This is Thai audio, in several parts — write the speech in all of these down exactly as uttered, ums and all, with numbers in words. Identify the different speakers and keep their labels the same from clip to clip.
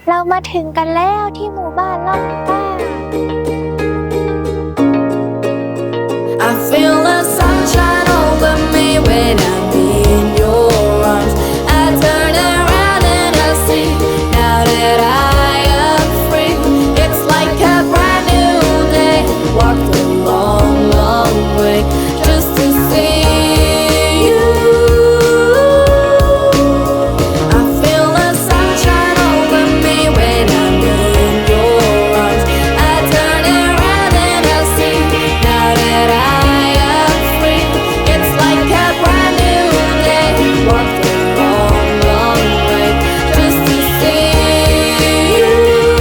Speaker 1: เรามาถึงกันแล้วที่หมู่บ้านล่องกล้า
Speaker 2: I feel the sunshine over me when I'm in your arms. I turn around and I see now that I am free. It's like a brand new day. Walked a long, long way just to see you. I feel the sunshine over me when I'm in your arms. I turn around and I see now that I am free. It's like a brand new day. Walked a long, long way just to see you.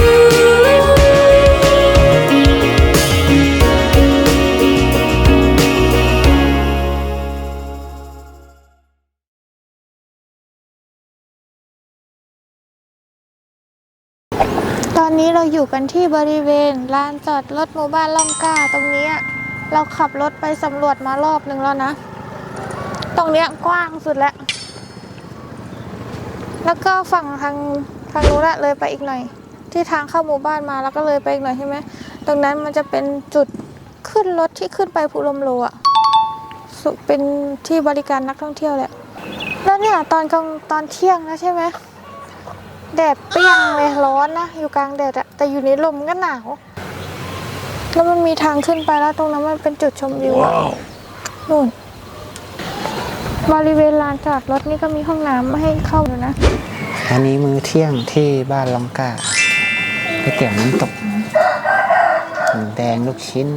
Speaker 1: ตอนนี้เราอยู่กันที่บริเวณลานจอดรถหมู่บ้านล่องกล้าตรงนี้เราขับรถไปสำรวจมารอบหนึ่งแล้วนะ ตรงเนี้ยกว้างสุดแล้ว แล้วก็ฝั่งทางทางนู้นละเลยไปอีกหน่อย ที่ทางเข้าหมู่บ้านมาแล้วก็เลยไปอีกหน่อยใช่ไหมตรงนั้นมันจะเป็นจุดขึ้นรถที่ขึ้นไปภูลมโลอ่ะสุเป็นที่บริการนักท่องเที่ยวแหละแล้วเนี่ยตอนกลางตอนเที่ยงนะใช่ไหมแดดเปรี้ยงเลยร้อนนะอยู่กลางแดดอะแต่อยู่ในลมก็หนาวแล้วมันมีทางขึ้นไปแล้วตรงนั้นมันเป็นจุดชมวิวอะนู่นบริเวณลานจอดรถนี่ก็มีห้องน้ำให้เข้าอยู่นะ
Speaker 3: อันนี้มื้อเที่ยงที่บ้านลองกาก๋วยเตี๋ยวน้ำตกหมูแดงลูกชิ้น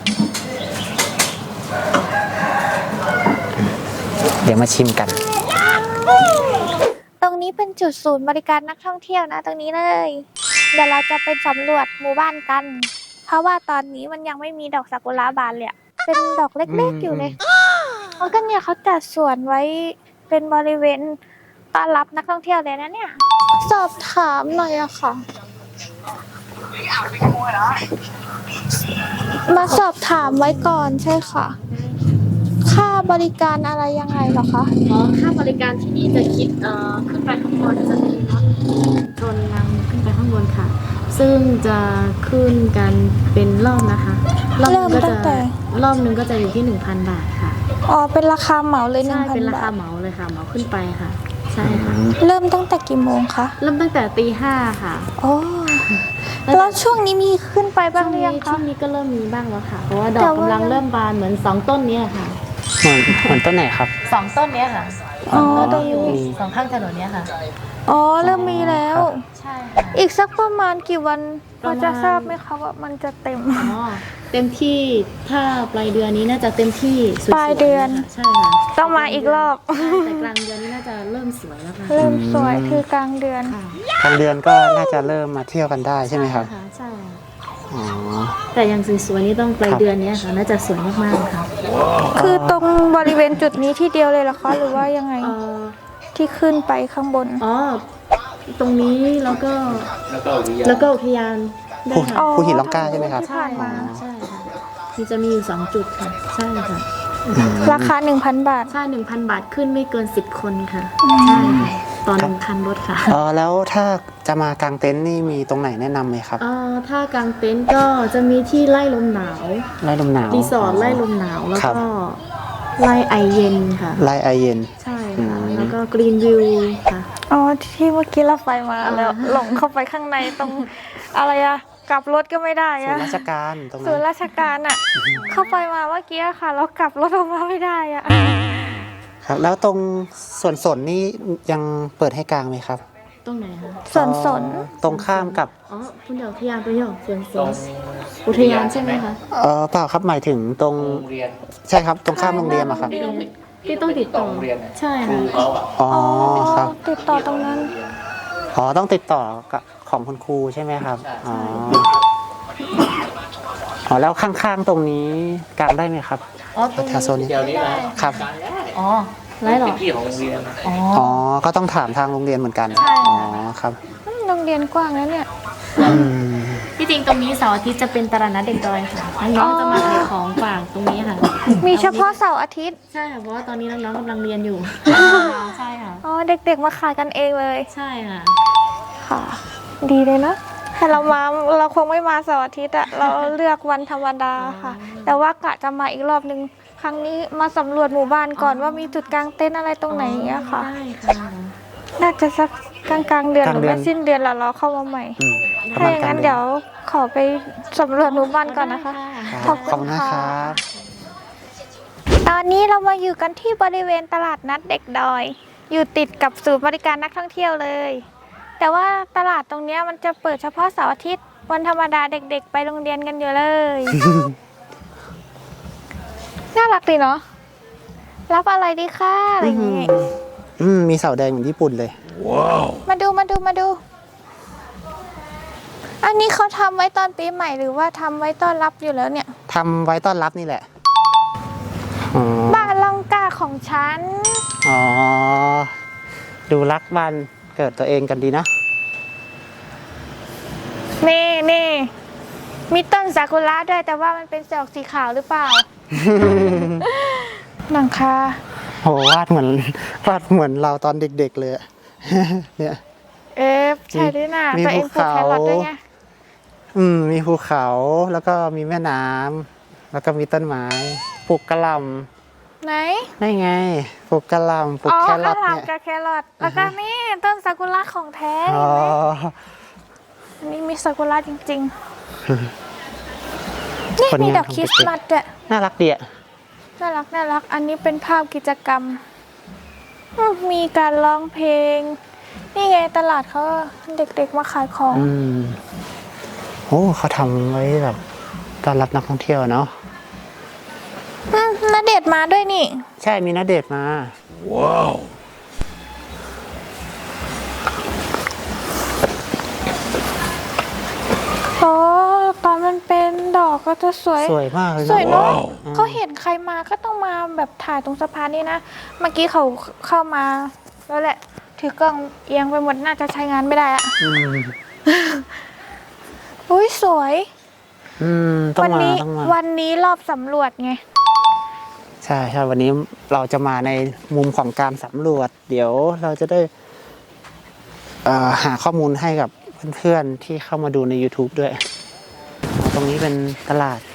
Speaker 3: เดี๋ยวมาชิมกัน
Speaker 1: ตรงนี้เป็นจุดศูนย์บริการนักท่องเที่ยวนะตรงนี้เลยเดี๋ยวเราจะไปสำรวจหมู่บ้านกัน เพราะว่าตอนนี้มันยังไม่มีดอกซากุระบานเลยเป็นดอกเล็กๆอยู่เลยแล้วก็เนี่ยเขาจัดสวนไว้เป็นบริเวณต้อนรับนักท่องเที่ยวเลยนะเนี่ยสอบถามหน่อยอะค่ะมาสอบถามไว้ก่อนใช่ค่ะค่าบริการอะไรยังไงเหรอคะ
Speaker 4: อ๋อค่าบริการที่นี่จะคิดเอ่อขึ้นไปข้างบนจะมีรถชนนำขึ้นไปข้างบนค่ะ ซึ่งจะขึ้นกันเป็นรอบนะคะรอบหนึงก็จะรอบหนึงก็จะอยู่ที่ หนึ่งพัน บาทค่ะ
Speaker 1: อ๋อเป็นราคาเหมาเลยหนึ่
Speaker 4: ใช่
Speaker 1: งพัน
Speaker 4: เป็นรา
Speaker 1: บา
Speaker 4: คา
Speaker 1: ท
Speaker 4: เหมาเลยค่ะเหมาขึ้นไปค่ะ ใช่ค่ะ
Speaker 1: เริ่มตั้งแต่กี่โมงคะ
Speaker 4: เริ่มตั้งแต่ตีห้าค่ะ
Speaker 1: โอ้แล้วช่วงนี้มีขึ้นไปบ้างหรือยัง
Speaker 4: ช่
Speaker 1: คะ
Speaker 4: วงนี้ก็เริ่มมีบ้างแล้วค่ะ เพราะว่าดอ
Speaker 1: แต่
Speaker 4: ก
Speaker 1: ว่า
Speaker 4: กำลังเริ่มบานเหมือนสองต้นเนี้ยค่ะ
Speaker 3: เหมือนเหมือนต้นไหนครับ
Speaker 4: สองต้นเนี้ยค่ะ
Speaker 1: อ๋อ
Speaker 4: ต้น
Speaker 1: ตรง
Speaker 4: ที่อยู่
Speaker 1: นี้
Speaker 4: สองข้างถนนเนี้ยค่ะ
Speaker 1: อ๋อเริ่มมีแล้ว
Speaker 4: ใช่ค่ะ
Speaker 1: อีกสักประมาณกี่วันพ
Speaker 4: ป
Speaker 1: อ
Speaker 4: ระมาณ
Speaker 1: จะทราบไหมคะว่ามันจะเต็ม
Speaker 4: อ๋อเต็มที่ถ้าปลายเดือนนี้น่าจะเต็มที่สวยๆ
Speaker 1: ปลายเดือน
Speaker 4: ใช่ค่ะ
Speaker 1: ต้องมาอีกรอบ
Speaker 4: ใช่แต่กลางเดือนนี้น่าจะเริ่มสวยแล้วค่ะ
Speaker 1: เริ่มสวยคือกลางเดือน
Speaker 4: ค่ะ
Speaker 3: ทางเดือนก็น่าจะเริ่มมาเที่ยวกันได้ใช่ไหมครับ
Speaker 4: ะใช่
Speaker 3: อ๋อ
Speaker 4: แต่อย่างสวยๆนี่ต้องปลาย
Speaker 3: ครับ
Speaker 4: เดือนเนี้ยค่ะน่าจะสวยมากๆค่ะ
Speaker 1: คือตรงบริเวณจุดนี้ที่เดียวเลยเหรอคะหรือว่ายังไง
Speaker 4: เอ่อ
Speaker 1: ที่ขึ้นไปข้างบน
Speaker 4: อ๋อตรงนี้แล้วก็แล้วก็อุทยานได้
Speaker 3: ภู
Speaker 4: ค่ะ
Speaker 1: อ๋อ
Speaker 3: ภูหินลองกาใช่ไหมครับ
Speaker 1: ที่ผ่านมา
Speaker 4: ใช่ค่ะมีจะมีอยู่สองจุดค่ะใช่ค่ะ
Speaker 1: ราคา หนึ่งพัน บาท
Speaker 4: ใช่หนึ่งพันบาทขึ้นไม่เกินสิบคนค่ะใช่ค่ะตอนหนึ่งคันรถค่ะ
Speaker 3: เออแล้วถ้าจะมากางเต็นท์นี่มีตรงไหนแนะนำไหมครับ
Speaker 4: เอ่อถ้ากางเต็นท์ก็จะมีที่ไล่ลมหนาว
Speaker 3: ไร่ลมหนาว
Speaker 4: รีสอร์ทไล่ลมหนาวแล้ว
Speaker 3: ครับ
Speaker 4: ก็ไล่ไอเย็นค่ะ
Speaker 3: ไร่ไอเย็น
Speaker 4: ใช่ค่ะ
Speaker 3: อืม
Speaker 4: แล้วก็กรีนวิวค่ะ
Speaker 1: อ๋อที่เมื่อกี้เราไปมาแล้วหลงเข้าไปข้างในตรงอะไรอะกลับรถก็ไม่ได้
Speaker 3: ส่ว
Speaker 1: อะ
Speaker 3: นราชการตรง
Speaker 1: ศู
Speaker 3: นั้น น
Speaker 1: ย์ราชการอะเข้าไปมาเมื่อกี้ค่ะเรากลับรถออกมาไม่ได้อะ
Speaker 3: ครับ แล้วตรงสวนสนนี่ยังเปิดให้กางไหมครับ
Speaker 4: ตรงไหนคะ
Speaker 1: สวนสน
Speaker 3: อ๋อตรงข้ามกับ
Speaker 4: อ๋อคุณเดี๋ยวอุทยานไปเหรอสวนสวนอุทยานใช่ไหมคะ
Speaker 3: เออเปล่าครับหมายถึงตรงใช่ครับตรงข้ามโรงเรียนอะครับ
Speaker 4: ที่ต้องติดต่อใช่ค่ะ
Speaker 3: อ๋อครับ
Speaker 1: ติดต่อตรงนั้น
Speaker 3: อ๋อต้องติดต่อกับของคุณครูใช่ไหมครับอ๋ออ๋อแล้วข้างๆตรงนี้กางได้ไหมครับ
Speaker 4: อ๋อตรง
Speaker 3: แถ
Speaker 4: นี้
Speaker 3: วโซนนี้
Speaker 5: เดี๋ยวนี้นะครับ
Speaker 4: อ๋อไรหรอ
Speaker 5: เป็นที่ของโรงเรียนนะ
Speaker 4: อ๋อ
Speaker 3: อ๋อก็ต้องถามทางโรงเรียนเหมือนกัน
Speaker 4: ใช่ค่ะ
Speaker 3: อ๋อครับ
Speaker 1: อืมโรงเรียนกว้างแล้วเนี่ย
Speaker 3: อืม
Speaker 4: ที่จริงตรงนี้เสาร์อาทิตย์จะเป็นตลาดนัดเด็กดอยค่ะน้องๆจะมาขายของฝากตรงนี้ค่ะ
Speaker 1: มีเฉพาะเสาร์อาทิตย์
Speaker 4: ใช่ค่ะเพราะว่าตอนนี้น้องๆกำลังเรียนอยู่ใช่ค่ะ
Speaker 1: อ๋อเด็กๆมาขายกันเองเลย
Speaker 4: ใช่ค่ะ
Speaker 1: ค่ะดีเลยนะถ้าเรามาเราคงไม่มาเสาร์อาทิตย์อะเราเลือกวันธรรมดาค่ะ แต่ว่ากะจะมาอีกรอบนึงครั้งนี้มาสำรวจหมู่บ้านก่อนว่ามีจุดกลางเต็นท์อะไรตรงไหนอย่างเงี้ยค่ะ
Speaker 4: ได้ค่ะ
Speaker 1: น่าจะสักกลางกลางๆเดือน
Speaker 3: ก
Speaker 1: ห
Speaker 3: ลาง
Speaker 1: รือ
Speaker 3: เดือน
Speaker 1: ไม่สิ้นเดือนแล้วเราเข้ามาใหม่
Speaker 3: อืมประ
Speaker 1: ถ้า
Speaker 3: มาณ
Speaker 1: อย่าง
Speaker 3: กลา
Speaker 1: นั้
Speaker 3: ง
Speaker 1: น
Speaker 3: เดื
Speaker 1: เดี๋
Speaker 3: อย
Speaker 1: วขอไปสำรวจหมู่บ้านก่อนนะคะ
Speaker 3: ครับ
Speaker 1: ขอบคุณ
Speaker 3: ขอบคุณนะ
Speaker 1: ค่ะ
Speaker 3: ครับ
Speaker 1: ตอนนี้เรามาอยู่กันที่บริเวณตลาดนัดเด็กดอย อยู่ติดกับศูนย์บริการนักท่องเที่ยวเลย แต่ว่าตลาดตรงเนี้ยมันจะเปิดเฉพาะเสาร์อาทิตย์วันธรรมดาเด็กๆ ไปโรงเรียนกันอยู่เลย น่ารักดีเนาะรับอะไรดีคะอะไรอย่างงี้
Speaker 3: อืมมีเสาแดงเหมือนญี่ปุ่นเลย
Speaker 1: มาดูมาดูมาดู อันนี้เขาทำไว้ตอนปีใหม่หรือว่าทำไว้ต้อนรับอยู่แล้วเนี่ย
Speaker 3: ทำไว้ต้อนรับนี่แหละ อ๋อ
Speaker 1: บ้านลังกาของฉัน
Speaker 3: อ๋อ ดูรักบ้านเกิดตัวเองกันดีนะ
Speaker 1: นี่นี่มีต้นซากุระด้วยแต่ว่ามันเป็นดอกสีขาวหรือเปล่า หลังคา
Speaker 3: โหวาดเหมือนวาดเหมือนเราตอนเด็กๆเลยอะ เนี่ย
Speaker 1: เอ๊ะใช่ด้วยนะ
Speaker 3: มี
Speaker 1: ตัวเองปลูกแครอทด้วยไง
Speaker 3: อืม มีภูเขาแล้วก็มีแม่น้ำแล้วก็มีต้นไม้ปลูกกะหล่ำ
Speaker 1: ไหน
Speaker 3: ได้ไงปลูกกะหล่ำปลูก
Speaker 1: อ๋อ
Speaker 3: แครอท
Speaker 1: ข้าวหลาม
Speaker 3: เนี่ย
Speaker 1: กับแครอทแล้วก็นี่ต้นซากุระของแท้
Speaker 3: อ๋อ
Speaker 1: อันนี่มีซากุระจริงๆ นี่
Speaker 3: ผลงาน
Speaker 1: มีดอก
Speaker 3: ของ
Speaker 1: คริส
Speaker 3: เด็กๆ
Speaker 1: ต์มาสด้วย
Speaker 3: น่ารักดีอะ
Speaker 1: น่ารักน่ารัก อันนี้เป็นภาพกิจกรรมอืมมีการร้องเพลง นี่ไงตลาดเขาเด็กๆมาขายของ
Speaker 3: อืมโอ้เขาทำไว้แบบต้อนรับนักท่องเที่ยวเนาะ
Speaker 1: อืมณเดชน์มาด้วยนี่
Speaker 3: ใช่มีณเดชน์มา ว้าว
Speaker 1: โอ้ตอนมันเป็นดอกก็จะสวย
Speaker 3: สวยมากเลย
Speaker 1: สวยเนาะ
Speaker 3: อืม
Speaker 1: เขาเห็นใครมาก็ต้องมาแบบถ่ายตรงสะพานนี่นะ เมื่อกี้เขาเข้ามาแล้วแหละ ถือกล้องเอียงไปหมดน่าจะใช้งานไม่ได้อะ
Speaker 3: อืม
Speaker 1: อุ้ยสวย
Speaker 3: อืมต้อง
Speaker 1: วั
Speaker 3: มา
Speaker 1: นี้
Speaker 3: ต้องมา
Speaker 1: วันนี้รอบสำรวจไง
Speaker 3: ใช่ใช่วันนี้เราจะมาในมุมของการสำรวจ เดี๋ยวเราจะได้เอ่อหาข้อมูลให้กับเพื่อนๆที่เข้ามาดูใน YouTube ด้วยอ๋อตรงนี้เป็นตลาด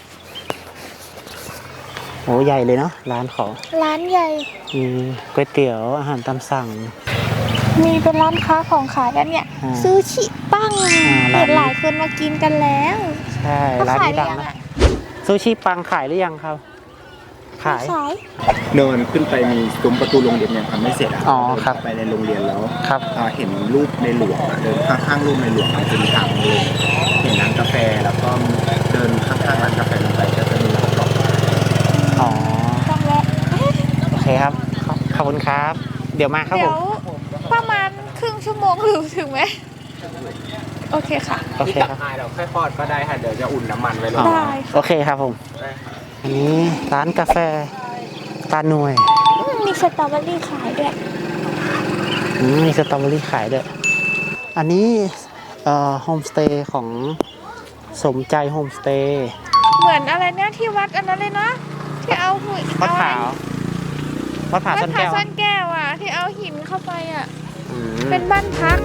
Speaker 3: โหใหญ่เลยเนาะร้านของ
Speaker 1: ร้านใหญ่
Speaker 3: มีก๋วยเตี๋ยวอาหารตามสั่ง
Speaker 1: มีเป็นร้านค้าของขายแล้วเนี่ย
Speaker 3: อ่า
Speaker 1: ซูชิปั้ง
Speaker 3: อ่าร้าน
Speaker 1: เห็นหลายคนมากินกันแล้ว
Speaker 3: ใช่
Speaker 1: เขา
Speaker 3: ร้าน
Speaker 1: ขาย
Speaker 3: นี้
Speaker 1: หรือ
Speaker 3: ดัง
Speaker 1: ยัง
Speaker 3: นะ
Speaker 1: อะ
Speaker 3: ซูชิปังขายหรือยังครับ ขาย
Speaker 1: ขาย
Speaker 5: เดินขึ้นไปมีซุ้มประตูโรงเรียนยังทำไม่เสร็จอะ
Speaker 3: อ๋อ
Speaker 5: เดิน
Speaker 3: ครับ
Speaker 5: ไปในโรงเรียนแล้ว
Speaker 3: ครับ
Speaker 5: อ่าเห็นรูปในหลวงอะเดินข้างๆรูปในหลวงมันจะมีทางลงเห็นร้านกาแฟแล้วก็เดินข้างๆร้านกาแฟลงไปก็จะมีกรอบ
Speaker 3: อ๋อ
Speaker 1: ต้องแวะ
Speaker 3: โอเคครับขอบขอบคุณครับ เดี๋ยวมาครับ
Speaker 1: เดี๋
Speaker 3: ผ
Speaker 1: ยว
Speaker 3: ม
Speaker 1: ประมาณครึ่งชั่วโมงหรือถึงไหมโอเคค่ะ
Speaker 3: โอ
Speaker 5: ที่
Speaker 3: เค
Speaker 5: ตัก
Speaker 3: ครับ
Speaker 5: อายเราค่อยทอดก็ได้ค่ะเดี๋ยวจะอุ่นน้ำมันไว้รอ
Speaker 1: ได้
Speaker 3: โอเคครับผม อันนี้ร้านกาแฟตาหน่วย
Speaker 1: อืมมีสตรอเบอรี่ขายด้วย
Speaker 3: อืมมีสตรอเบอรี่ขายด้วย อันนี้เอ่อโฮมสเตย์ของสมใจโฮมสเตย์
Speaker 1: เหมือนอะไรเนี่ยที่วัดอันนั้นเลยนะที่เอาหุ่น
Speaker 3: วัด
Speaker 1: เอา
Speaker 3: ผาวัดผา
Speaker 1: วัด
Speaker 3: ซ่อน
Speaker 1: ผา
Speaker 3: แก้ว
Speaker 1: ซ่อนแก้วอ่ะ ที่เอาหินเข้าไปอ่ะ
Speaker 3: อืม
Speaker 1: เป็นบ้านพัก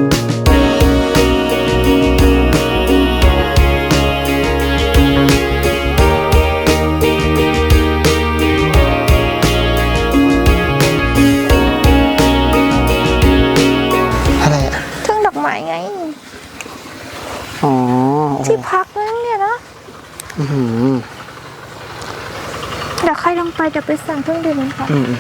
Speaker 3: อะไรอ่ะ
Speaker 1: ทุ่งดอกไม้ไง
Speaker 3: อ๋อโอ้โห
Speaker 1: ที่พักนั่นเนี่ยนะ
Speaker 3: อื้อหือ
Speaker 1: เดี๋ยวใครลงไปจะไปสั่งเครื่องดื่มค่ะ
Speaker 3: อืม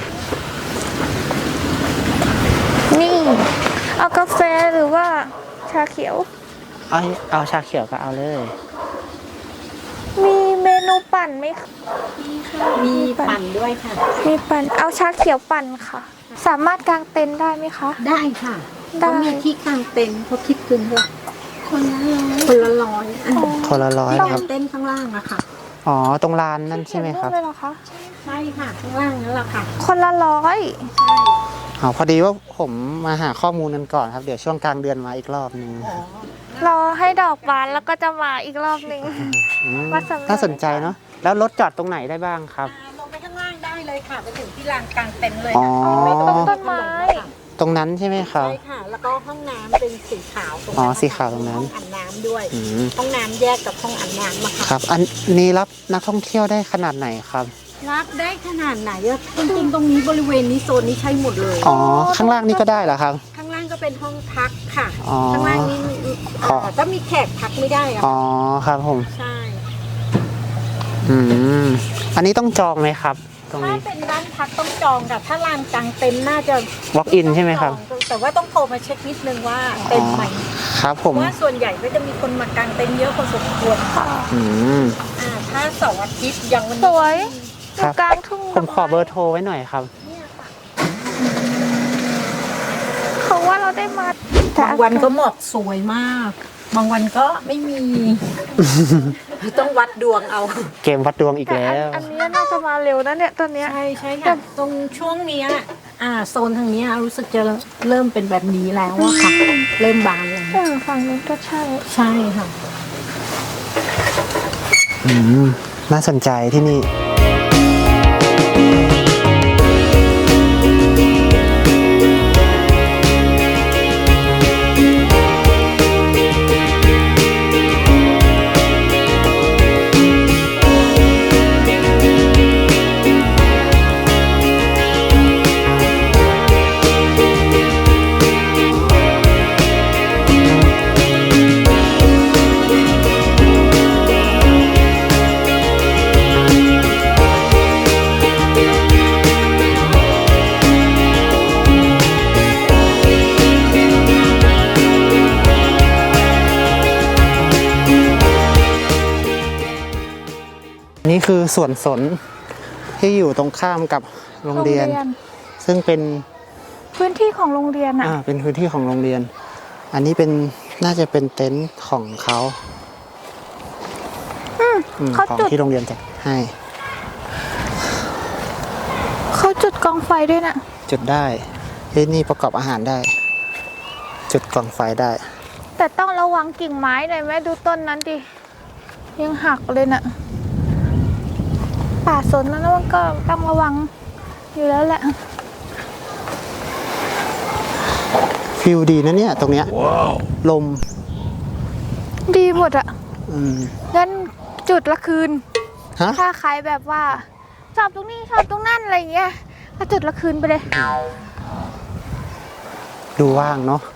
Speaker 1: นี่ เอากาแฟหรือว่าชาเขียว
Speaker 3: เอาเอาชาเขียวก็เอาเลย
Speaker 1: มีเมนูปั่นไหมคะ
Speaker 6: มีปั่นด้วยค่ะ
Speaker 1: มีปั่น เอาชาเขียวปั่นค่ะ สามารถกางเต็นท์ได้ไหมคะ
Speaker 6: ได้ค่ะ
Speaker 1: ได้
Speaker 6: เขามีที่กางเต็นท์เขาคิดคืนเท่าไหร่คนละร้อยคนละร้อยอันนี้
Speaker 3: คนละร้อย
Speaker 6: ที่
Speaker 3: นะค
Speaker 6: กา
Speaker 3: รับ
Speaker 6: งเต็นท์ข้างล่างอะค่ะ
Speaker 3: อ๋อ ตรงลานนั่นใช่ไหมครับ
Speaker 1: เขียนรูปเลยเหรอคะ
Speaker 6: ใช่ค่ะ ข้างล่างนั่นแหละค่ะ
Speaker 1: คนละร้อย
Speaker 6: ใช่
Speaker 3: อ๋อ พอดีว่าผมมาหาข้อมูลกันก่อนครับ เดี๋ยวช่วงกลางเดือนมาอีกรอบนึง
Speaker 1: รอให้ดอกบานแล้วก็จะมาอีกรอบหนึ่ง
Speaker 3: อืม
Speaker 1: วัดสำเร็จ
Speaker 3: น่าสนใจเนาะ แล้วรถจอดตรงไหนได้บ้างครับ
Speaker 6: ลงไปข้างล่างได้เลยค่ะ ไปถึงที่ลานกางเต็นท์เลย
Speaker 3: อ๋อ
Speaker 6: ค่ะไม่
Speaker 1: ต
Speaker 6: ต้
Speaker 1: ร
Speaker 6: อง
Speaker 1: งต้นไม้
Speaker 6: ค่ะ
Speaker 3: ตรงนั้นใช่ไหมครับ
Speaker 6: ใช่ค่ะ แล้วก็ห้องน้ำเป็นสีขาวตรง
Speaker 3: อ๋อ
Speaker 6: นั้น
Speaker 3: สีขาวตรงนั้น
Speaker 6: ห้องอาบน้ำด้วย
Speaker 3: อืม
Speaker 6: ห้องน้ำแยกกับห้องอาบน้ำอะค่ะ
Speaker 3: ครับ อันนี้รับนักท่องเที่ยวได้ขนาดไหนครับ
Speaker 6: รับได้ขนาดไหนอะจริงๆตรงนี้บริเวณนี้โซนนี้ใช้หมดเลย
Speaker 3: อ๋อ ข้างล่างนี่ก็ได้เหรอครับ
Speaker 6: ข้างล่างก็เป็นห้องพักค่ะ
Speaker 3: อ๋อ
Speaker 6: ข้างล่างนี่เอ่อก็มีแขกพักไม่ได้อะ
Speaker 3: อ๋อ ครับผม
Speaker 6: ใช่
Speaker 3: อืม อันนี้ต้องจองไหมครับ ตรง
Speaker 6: ถ้า
Speaker 3: นี้
Speaker 6: เป็นร้านพักต้องจองค่ะถ้าลานกลางเต็นท์น่าจะ
Speaker 3: walk in ใช่ไหมครับ
Speaker 6: จองแต่ว่าต้องโทรมาเช็คนิดนึงว่าเต็มไหม
Speaker 3: ครับผม
Speaker 6: เพราะว่าส่วนใหญ่ก็จะมีคนมากางเต็นท์เยอะพอสมควรค่ะ
Speaker 3: อืม
Speaker 6: อ่าถ้าเสาร์อาทิตย์อย่างวัน
Speaker 1: ส
Speaker 6: นี้
Speaker 1: วยอ
Speaker 3: ครั
Speaker 1: ยู่
Speaker 3: บ
Speaker 1: กลางทุ่ง
Speaker 3: ผมขอเบอร์โทรไว้หน่อยครับ
Speaker 1: เขาว่าเราได้มา
Speaker 6: บางวันก็หมอกสวยมาก บางวันก็ไม่มี ต้องวัดดวงเอา
Speaker 3: เกมวัดดวงอีก
Speaker 1: แต่
Speaker 3: แล้
Speaker 1: อัน
Speaker 3: ว
Speaker 1: อันนี้น่าจะมาเร็วนะเนี่ยตอนเนี้ย
Speaker 6: ใช่ใช่ค่ะตรงช่วงเนี้ยอ่าโซนทางเนี้ยรู้สึกจะเริ่มเป็นแบบนี้แล้วอะค่ะ เริ่มบานแล้ว
Speaker 1: เออฝั่งนู้นก็ใช่
Speaker 6: ใช่ค่ะ
Speaker 3: อืม น่าสนใจที่นี่ นี่คือสวนสนที่อยู่ตรงข้ามกับโรงเรียน ซึ่งเป็น
Speaker 1: พื้นที่ของโรงเรียนอ่ะ
Speaker 3: อ่า เป็นพื้นที่ของโรงเรียน อันนี้เป็นน่าจะเป็นเต็นท์ของเขา
Speaker 1: อืม
Speaker 3: อืม
Speaker 1: เขา
Speaker 3: ของ
Speaker 1: จุด
Speaker 3: ที่โรงเรียนจัดให้
Speaker 1: เขาจุดกองไฟด้วยน่ะ
Speaker 3: จุดได้ที่นี่ประกอบอาหารได้ จุดกองไฟได้
Speaker 1: แต่ต้องระวังกิ่งไม้หน่อยไหมดูต้นนั้นดิ ยังหักเลยน่ะ ป่าสนนั้นมันก็ต้องระวังอยู่แล้วแหละ
Speaker 3: ฟิลดีนะเนี่ย ตรงเนี้ยลม
Speaker 1: ดีหมดอ่ะ
Speaker 3: อืม
Speaker 1: งั้นจุดละคืน
Speaker 3: ฮะ
Speaker 1: ถ้าใครแบบว่าชอบตรงนี้ชอบตรงนั่นอะไรอย่างเงี้ยก็จุดละคืนไปเลย
Speaker 3: ดูว่างเนาะ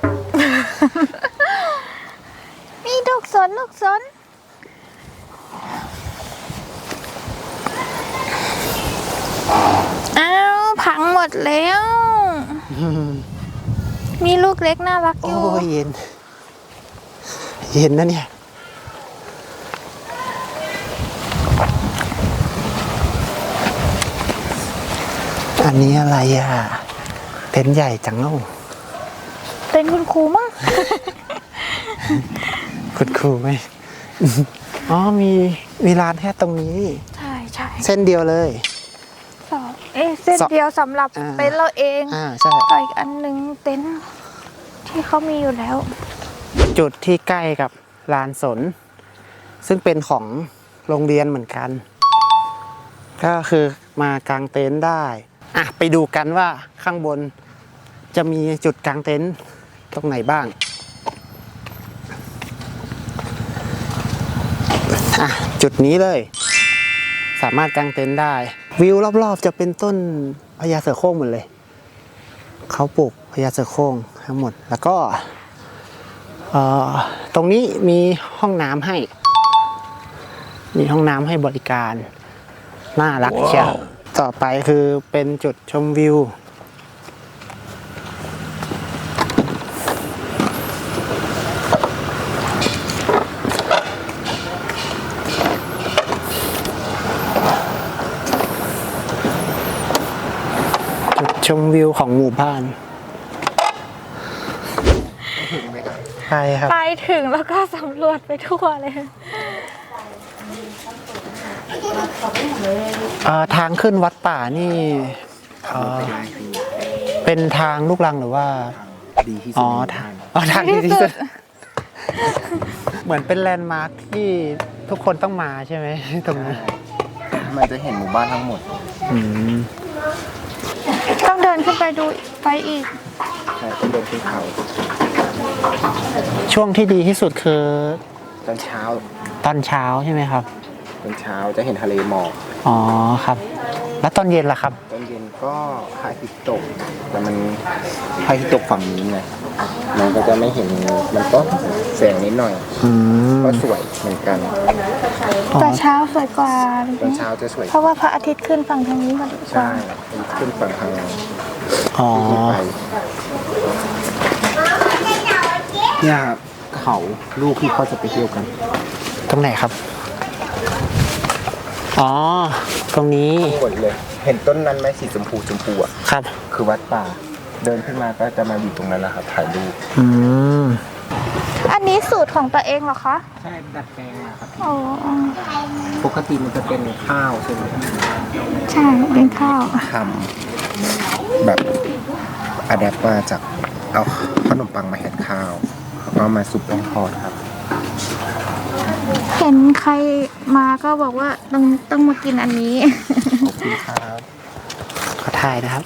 Speaker 1: นี่ลูกสนลูกสนอ้าวพังหมดแล้ว มีลูกเล็กน่ารักอ
Speaker 3: โอ้
Speaker 1: ยู่
Speaker 3: ยเย็น เย็นนะเนี่ย อันนี้อะไรอ่ะ เต็นท์ใหญ่จังเอ้า
Speaker 1: เป็นคุณครูมั้ง
Speaker 3: คุณครูไหม อ๋อ มีมีร้านแค่ตรงนี้
Speaker 1: ใช่ใช่
Speaker 3: เส้นเดียวเลย
Speaker 1: สองเอ๊ะเส้น
Speaker 3: สอง
Speaker 1: เดียวสำหรับ
Speaker 3: อ่า
Speaker 1: เต็นท์เราเอง
Speaker 3: อ่า ใช่
Speaker 1: ต่ออีกอันหนึ่งเต็นท์ที่เขามีอยู่แล้ว
Speaker 3: จุดที่ใกล้กับลานสน ซึ่งเป็นของโรงเรียนเหมือนกัน ก็คือมากางเต็นท์ได้ อ่ะ ไปดูกันว่าข้างบนจะมีจุดกางเต็นท์ตรงไหนบ้าง อ่ะ จุดนี้เลย สามารถกางเต็นท์ได้ วิวรอบๆจะเป็นต้นพญาเสือโคร่งหมดเลย เขาปลูกพญาเสือโคร่งทั้งหมด แล้วก็เอ่อตรงนี้มีห้องน้ำให้ มีห้องน้ำให้บริการ น่ารักเชียวต่อไปคือเป็นจุดชมวิว จุดชมวิวของหมู่บ้านไปครับ
Speaker 1: ไปถึงแล้วก็สำรวจไปทั่วเลย
Speaker 3: เอ่อทางขึ้นวัดป่านี่เอ่อเป็นทางลูกรังหรือว่า
Speaker 5: ดีที่สุ
Speaker 3: อ๋อ
Speaker 5: ด
Speaker 3: ทางอ๋อทางดีที่สุด เหมือนเป็นแลนด์มาร์คที่ทุกคนต้องมาใช่ไหม ตรงนี้
Speaker 5: มันจะเห็นหมู่บ้านทั้งหมด
Speaker 3: อืม
Speaker 1: ต้องเดินขึ้นไปดูไปอีก
Speaker 5: ใช่ต้องเดินขึ้นเขา
Speaker 3: ช่วงที่ดีที่สุดคือ
Speaker 5: ตอนเช้า
Speaker 3: ตอนเช้าใช่ไหมครับ
Speaker 5: ตอนเช้าจะเห็นทะเลหมอก
Speaker 3: อ๋อครับ แล้วตอนเย็นล่ะครับ
Speaker 5: ตอนเย็นก็พระอาทิตย์ตกแต่มันพระอาทิตย์ตกฝั่งนี้ไงมันก็จะไม่เห็นมันก็แสงนิดหน่อย
Speaker 3: อืม
Speaker 5: ก็สวยเหมือนกัน
Speaker 1: แต่เช้าสวยกว่า
Speaker 5: ตอนเช้าจะสวย
Speaker 1: เพราะว่าพระอาทิตย์ขึ้นฝั่งทางนี้พอดีกว่า
Speaker 5: ใช่ขึ้นฝั่งทาง
Speaker 3: อ๋อ
Speaker 5: ขึ้นไปเนี่ยครับเขาลูกที่เขาจะไปเที่ยวกัน
Speaker 3: ตรงไหนครับ อ๋อ ตรงนี้
Speaker 5: หมดเลย เห็นต้นนั้นไหมสีชมพูชมพูอ่ะ
Speaker 3: ครับ
Speaker 5: คือวัดป่า เดินขึ้นมาก็จะมาอยู่ตรงนั้นแหละครับถ่ายรูป
Speaker 3: อืม
Speaker 1: อันนี้สูตรของตัวเองเหรอคะ
Speaker 5: ใช่ดัดแปลงมาครับ
Speaker 1: อ๋อ
Speaker 5: ปกติมันจะเป็นข้าวใช่ไหม
Speaker 1: ใช่เป็นข้าว
Speaker 5: ทำแบบอะแดปมาจากเอาขนมปังมาแทนข้าวแล้วก็มาซุปแป้งทอดครับ
Speaker 1: เห็นใครมาก็บอกว่าต้องต้องมากินอันนี้
Speaker 5: ขอบคุณครับ
Speaker 3: ขอถ่ายนะครับ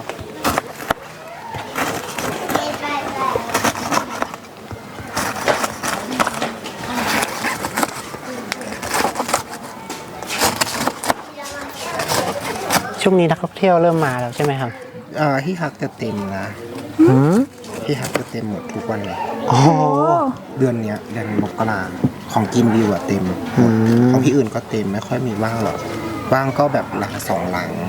Speaker 3: ช่วงนี้นักท่องเที่ยวเริ่มมาแล้วใช่ไหมครับ
Speaker 5: อ่าที่พักจะเต็มนะ
Speaker 3: อืม
Speaker 5: ที่พักจะเต็มหมดทุกวันเลย
Speaker 3: โอ้โห
Speaker 5: เดือนเนี้ยเดือนมกราของกินวิวอะเต็ม
Speaker 3: อืม
Speaker 5: ของที่อื่นก็เต็มไม่ค่อยมีว่างหรอกว่างก็แบบหลังสองหลัง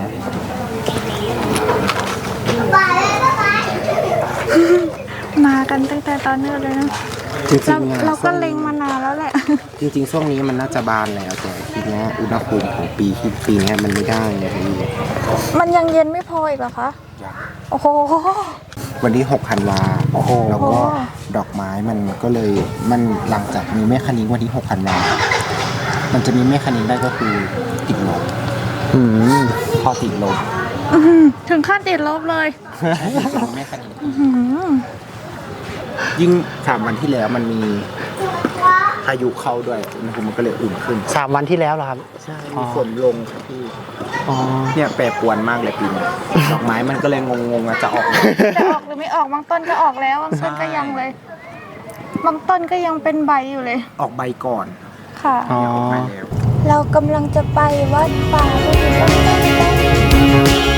Speaker 1: มากันตั้งแต่ตอนนี้เลยนะ
Speaker 5: จริ
Speaker 1: เรา
Speaker 5: งๆอะ
Speaker 1: เราก็เล็งมานานแล้วแหละ
Speaker 5: จริงๆช่วงนี้มันน่าจะบานแล้วแต่ทีเนี้ยอุณหภูมิของปีที่ปีเนี้ยมันไม่ได้ไงพี่
Speaker 1: มันยังเย็นไม่พออีกเหรอคะ โอ้โห
Speaker 5: วันที่หกธันวา
Speaker 3: โอ้โห
Speaker 5: แล้วก็ดอกไม้มันก็เลยมันหลังจากมีแม่คณิ้งวันที่หกธันวามันจะมีแม่คณิ้งได้ก็คือติดลบ
Speaker 3: อืม
Speaker 5: พอติดลบ
Speaker 1: อื้อหือถึงขั้นติดลบเลย
Speaker 5: จะมีแม่คณิ้ง
Speaker 1: อื้อหือ
Speaker 5: ยิ่งสามวันที่แล้วมันมีพายุเข้าด้วยอุณหภูมิมันก็เลยอุ่นขึ้น
Speaker 3: สามวันที่แล้วเหรอครับ
Speaker 5: ใช่
Speaker 3: อ๋อ
Speaker 5: มีฝนลงครับพี่
Speaker 3: อ๋อ
Speaker 5: เนี่ยแปรปรวนมากเลยปีนี้ ดอกไม้มันก็เลยงงๆอะจะออกไหม
Speaker 1: จะออกหรือไม่ออกบางต้นก็ออกแล้วบางต้นก็ยังเลย บางต้นก็ยังเป็นใบอยู่เลย
Speaker 5: ออกใบก่อน
Speaker 1: ค่ะ
Speaker 3: อ๋อ
Speaker 5: เนี่ยออกใบแล้ว
Speaker 1: เรากำลังจะไปวัดป่าไปถึงวัดป่า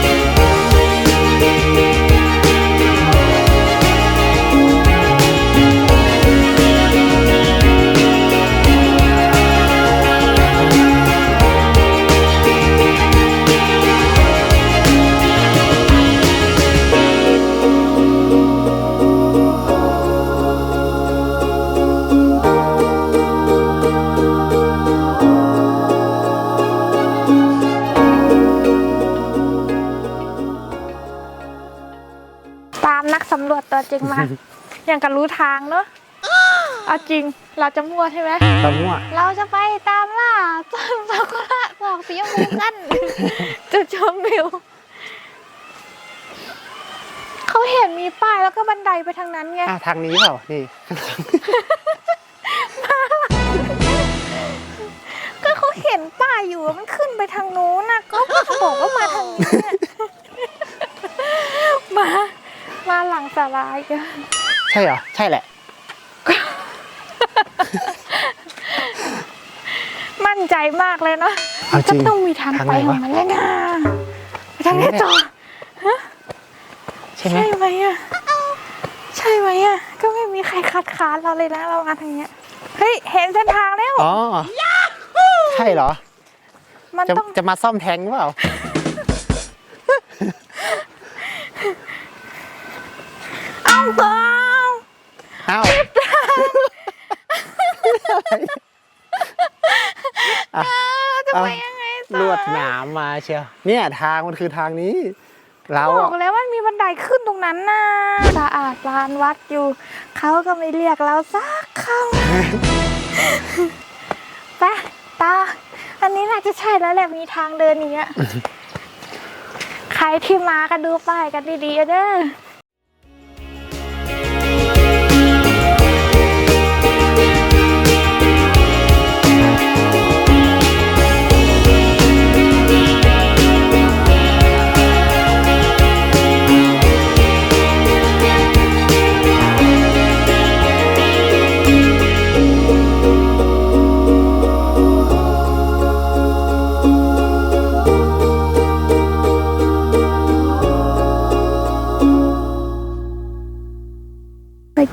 Speaker 1: ตามนักสำรวจตัวจริงมา อย่างกับรู้ทางเนอะเอาจริง เราจะมั่วใช่ไหม
Speaker 3: ตะมั่ว
Speaker 1: เราจะไปตามล่าต้นซากุระดอกสีชมพูกัน จุดชมวิว เขาเห็นมีป้ายแล้วก็บันไดไปทางนั้นไง
Speaker 3: อ่ะทางนี้เปล่า นี่
Speaker 1: ก็เขาเห็นป้ายอยู่ว่ามันขึ้นไปทางโน้นนะก็บอกว่ามาทางนี้เนี่ย มา มาหลังสาลายกัน
Speaker 3: ใช่เหรอ ใช่แหละ
Speaker 1: มั่นใจมากเลยเนาะ
Speaker 3: เอาจริ
Speaker 1: ก็
Speaker 3: ง
Speaker 1: ต้องมีทาง
Speaker 3: ทาง
Speaker 1: ไป
Speaker 3: ไหน
Speaker 1: ขอ
Speaker 3: วะ
Speaker 1: งมันเลยนะไปทางนี้ต่อ
Speaker 3: ใช่ไหม
Speaker 1: ใช่ไหมอ่ะ ใช่ไหมอ่ะ ก็ไม่มีใครคัดค้านเราเลยนะเรามาทางเนี้ย เฮ้ย เห็นเส้นทางแล้ว
Speaker 3: อ๋อ ใช่เหรอ
Speaker 1: มัน
Speaker 3: จะ
Speaker 1: ต้อง
Speaker 3: จะมาซ่อมแทงเปล่า
Speaker 1: เอาต่อ
Speaker 3: อ้าวอ่ะ
Speaker 1: จะ
Speaker 3: เอา
Speaker 1: ไปยังไงต่อ
Speaker 3: ลวดหนามมาเชียว เนี่ยทางมันคือทางนี้ เรา
Speaker 1: บอ
Speaker 3: อะ
Speaker 1: กแล้วมันมีบันไดขึ้นตรงนั้นน่ะสะอาดลานวัดอยู่ เขาก็ไม่เรียกเราสักคำ ไปตา อันนี้น่าจะใช่แล้วแหละมีทางเดินอย่างเงี้ย ใครที่มาก็ดูป้ายกันดีๆเด้อ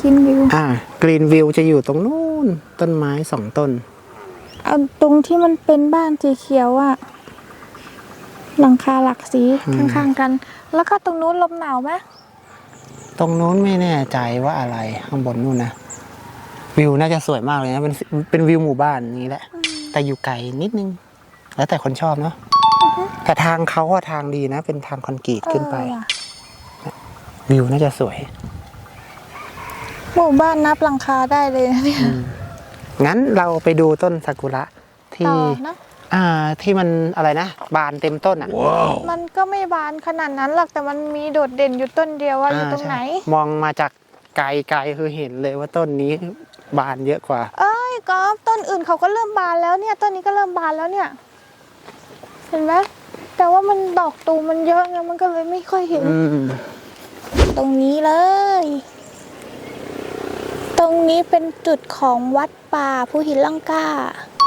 Speaker 1: กินวิว
Speaker 3: อ่ากรีนวิวจะอยู่ตรงนู้นต้นไม้สองต้น
Speaker 1: เอาตรงที่มันเป็นบ้านสีเขียวอะหลังคาหลักสีข้างๆกัน แล้วก็ตรงนู้นลมหนาวไหม
Speaker 3: ตรงนู้นไม่แน่ใจว่าอะไรข้างบนนู่นนะวิวน่าจะสวยมากเลยนะเป็นเป็นวิวหมู่บ้านนี้แหละ แต่อยู่ไกลนิดนึง แล้วแต่คนชอบเนาะแต่ทางเขาอะทางดีนะ เป็นทางคอนกรีตขึ้นไป
Speaker 1: เออว่ะ
Speaker 3: วิวน่าจะสวย
Speaker 1: หมู่บ้านนับหลังคาได้เลยนะเนี่ย
Speaker 3: งั้นเราไปดูต้นซากุระที่
Speaker 1: ต่อนะ
Speaker 3: อ่าที่มันอะไรนะ บานเต็มต้นอ่ะ
Speaker 1: มันก็ไม่บานขนาดนั้นหรอกแต่มันมีโดดเด่นอยู่ต้นเดียวว่าอยู่ตรงไหน
Speaker 3: ใช่มองมาจากไกลๆคือเห็นเลยว่าต้นนี้บานเยอะกว่า
Speaker 1: เอ้ยกอล์ฟต้นอื่นเขาก็เริ่มบานแล้วเนี่ย ต้นนี้ก็เริ่มบานแล้วเนี่ย เห็นไหมแต่ว่ามันดอกตูมมันเยอะไงมันก็เลยไม่ค่อยเห็น
Speaker 3: อืม
Speaker 1: ตรงนี้เลย ตรงนี้เป็นจุดของวัดป่าภูหินลังกา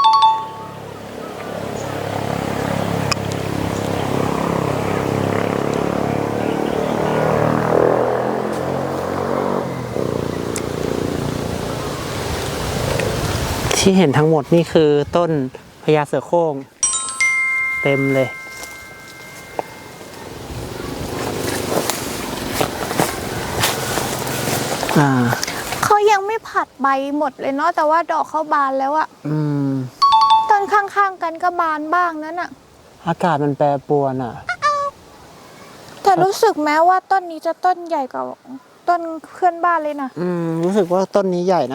Speaker 3: ที่เห็นทั้งหมดนี่คือต้นพญาเสือโคร่งเต็มเลย อ่า
Speaker 1: เขายังไม่ผัดใบหมดเลยเนาะแต่ว่าดอกเขาบานแล้วอะ
Speaker 3: อืม
Speaker 1: ต้นข้างๆกันก็บานบ้างนั่นอะ
Speaker 3: อากาศมันแปรปรวนอ่ะ
Speaker 1: แต่รู้สึกแม้ว่าต้นนี้จะต้นใหญ่กว่าต้นเพื่อนบ้านเลยนะ
Speaker 3: อืม รู้สึกว่าต้นนี้ใหญ่นะ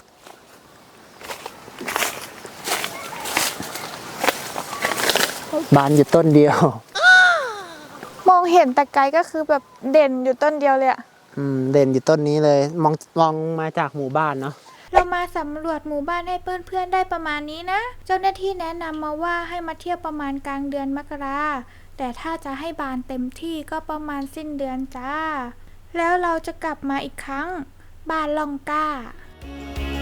Speaker 3: บานอยู่ต้นเดียว
Speaker 1: มองเห็นแต่ไกลก็คือแบบเด่นอยู่ต้นเดียวเลยอะ
Speaker 3: อืม เด่นอยู่ต้นนี้เลย มองมองมาจากหมู่บ้านเนาะ
Speaker 1: เรามาสำรวจหมู่บ้านให้เพื่อนๆได้ประมาณนี้นะ เจ้าหน้าที่แนะนำมาว่าให้มาเที่ยวประมาณกลางเดือนมกราแต่ถ้าจะให้บานเต็มที่ก็ประมาณสิ้นเดือนจ้า แล้วเราจะกลับมาอีกครั้งบ้านล่องกล้า